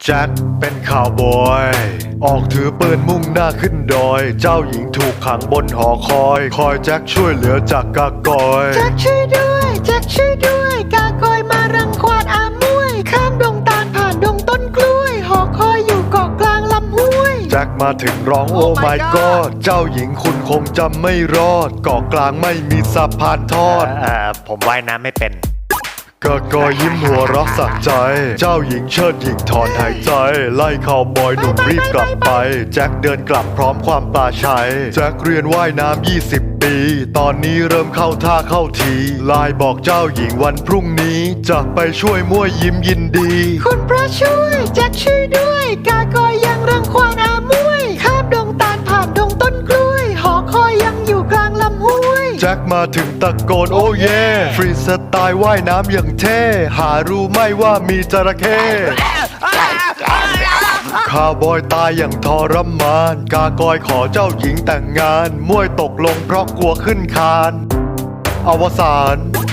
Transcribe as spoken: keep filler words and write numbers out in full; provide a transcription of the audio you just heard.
แจ็คเป็นข่าวบอยออกถือปืนมุ่งหน้าขึ้นดอยเจ้าหญิงถูกขังบนหอคอยคอยแจ็คช่วยเหลือจากกากอยแจ็คช่วยด้วยแจ็คช่วยด้วยกากอยมารังควานอามวยข้ามดงตาลผ่านดงต้นกล้วยหอคอยอยู่เกาะกลางลำห้วยแจ็คมาถึงร้องโอ้ my god เจ้าหญิงคุณคงจำไม่รอดเกาะกลางไม่มีสะพานทอดเอ่อผมว่ายน้ำไม่เป็นกากอยยิ้มหัวเรักสักใจเจ้าหญิงเชิดหญิงถอนหายใจไล่ข่าวบอยหนุ่มรีบกลับไปแจ็คเดินกลับพร้อมความปลาชัยแจ็คเรียนว่ายน้ำยี่สิบปีตอนนี้เริ่มเข้าท่าเข้าทีไลน์บอกเจ้าหญิงวันพรุ่งนี้จะไปช่วยมั่วยิ้มยินดีคุณพระช่วยแจ็คช่วยด้วยกากอยยังรังควานอามวยข้ามดงตาลผ่านดงต้นกล้วยหอคอยยังอยู่กลางลำห้วยแจ็คมาถึงตะโกนโอ้เย่ฟรีสไตล์ว่ายน้ำอย่างเท่หารู้ไหม่ว่ามีจระเข้ข้าวบอยตายอย่างทรมานกากอยขอเจ้าหญิงแต่งงานมวยตกลงเพราะกลัวขึ้นคานอวสาน